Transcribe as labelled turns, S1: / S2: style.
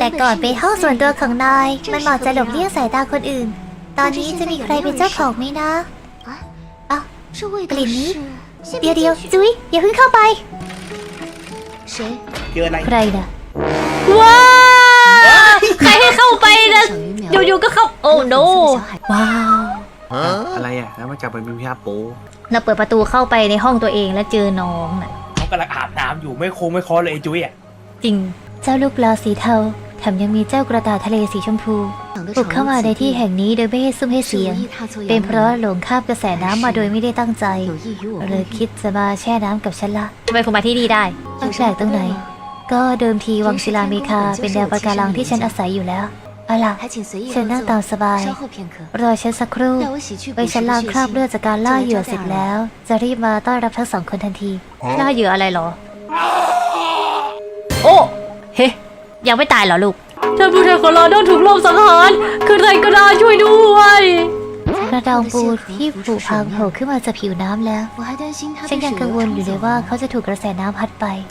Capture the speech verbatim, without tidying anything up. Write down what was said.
S1: แต่ก่อนเป็นห้องส่วนตัวของนายมันเหมาะจะหลบเลี่ยงสายตาคนอื่นตอนนี้จะมีใครเป็นเจ้าของไหมนะอ้าวกลิ่นนี้เดี๋ยวเดี๋ยวจุ๊ยอย่าเพิ่งเข้าไป
S2: เจออะไร
S1: ใครนะ
S3: ว้าใครให้เข้าไปนะอยู่ๆก็เข้าโอ้โนว้าว
S4: อะไรอ่ะแล้วมาจับไปมีพิธาโป
S3: เราเปิดประตูเข้าไปในห้องตัวเองแล้วเจอน้องน่ะ
S2: เขากำลังอาบน้ำอยู่ไม่โค้งไม่คอเลยไอ้จุ้ยอ่ะ
S3: จริง
S1: เจ้าลูกปลาสีเทาแถมยังมีเจ้ากระต่ายทะเลสีชมพูบุกเข้ามาในที่แห่งนี้โดยไม่ให้ซุ่มให้เสียงเป็นเพราะหลงข้ามกระแสน้ำมาโดยไม่ได้ตั้งใจเลยคิดจะมาแช่น้ำกับฉันละ
S3: ทำไมคุณมาที่นี่ได้
S1: แปลกตรงไหนก็เดิมทีวังศิลาเมคาเป็นแนวปะการังที่ฉันอาศัยอยู่แล้วเอาล่ะเชิญนั่งตามสบายรอฉันสักครู่ไปฉันล้างคราบเลือดจากการล่าเหยื่อเสร็จแล้วจะรีบมาต้อนรับทั้งสองคนทันที
S3: ล่าเหยื่ออะไรเหรอ โอ้ เฮ้ยังไม่ตายเหรอลูกท่านผู้ชายของเราโดนถูกลอบสังหารคือใครก็ได้ช่วยด้วย
S1: กระดองปูที่ผุพังโผล่ขึ้นมาจากผิวน้ำแล้วฉันยังกังวลอยู่เลยว่าเขาจะถูกกระแสน้ำพัดไป